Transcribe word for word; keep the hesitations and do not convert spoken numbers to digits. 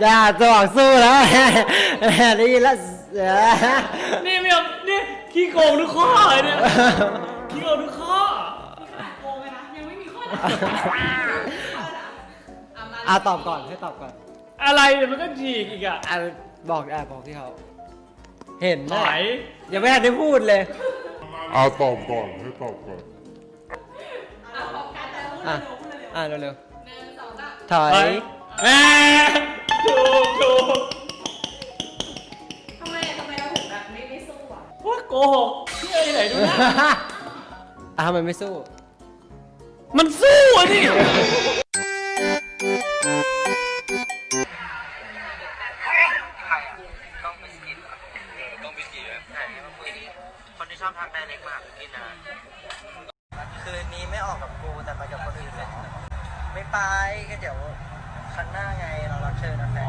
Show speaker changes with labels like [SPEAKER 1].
[SPEAKER 1] อย่าจะบอกสู้แล้วได้ยินแล้ว
[SPEAKER 2] นี่ไม่เอานี่ขี้โกงทุกข้อเลยเนี่ยขี้โกงทุกข้อ
[SPEAKER 3] โกงไหมนะยังไม่มีข้อไหน
[SPEAKER 1] อ่ะตอบก่อนให้ตอบก่อน
[SPEAKER 2] อะไรเนี่ยมันก็ฉีกอีกอ่ะ
[SPEAKER 1] อ่ะบอกอ่ะบอกที่เขาเห็น
[SPEAKER 2] ไห
[SPEAKER 1] นะ
[SPEAKER 2] น
[SPEAKER 1] ยังไม่ทันได้พูดเลย
[SPEAKER 4] เอาตอบก่อนให้ตอบก่อน
[SPEAKER 3] เอาพร้อมกันแต่พูด
[SPEAKER 1] อ่ะ
[SPEAKER 3] เร็วพูดเร็ว
[SPEAKER 1] อ่ะเร็ว
[SPEAKER 3] หนึ่งสองสาม
[SPEAKER 1] ๆถอ
[SPEAKER 2] ไป
[SPEAKER 1] ย
[SPEAKER 2] แหมถูกถูก
[SPEAKER 3] ทำไมทำไมเราถึงแบบไม่ไม่สู้อ่ะ
[SPEAKER 2] ว่าโกหกเชื่อที่ไหนดูนะ
[SPEAKER 1] อ่ะทำไมไม่สู้
[SPEAKER 2] มันสู้อ่ะนี่
[SPEAKER 5] ต้องบิสกิตเหรอต้องบิสกิตใช่มาคุยคนที่ชอบทักไดเรกมาหากินนะคืนนี้ไม่ออกกับกูแต่ไปกับคนอื่นเหรอไม่ไปก็เดี๋ยวครั้งหน้าไงเรารับเชิญนะแฟ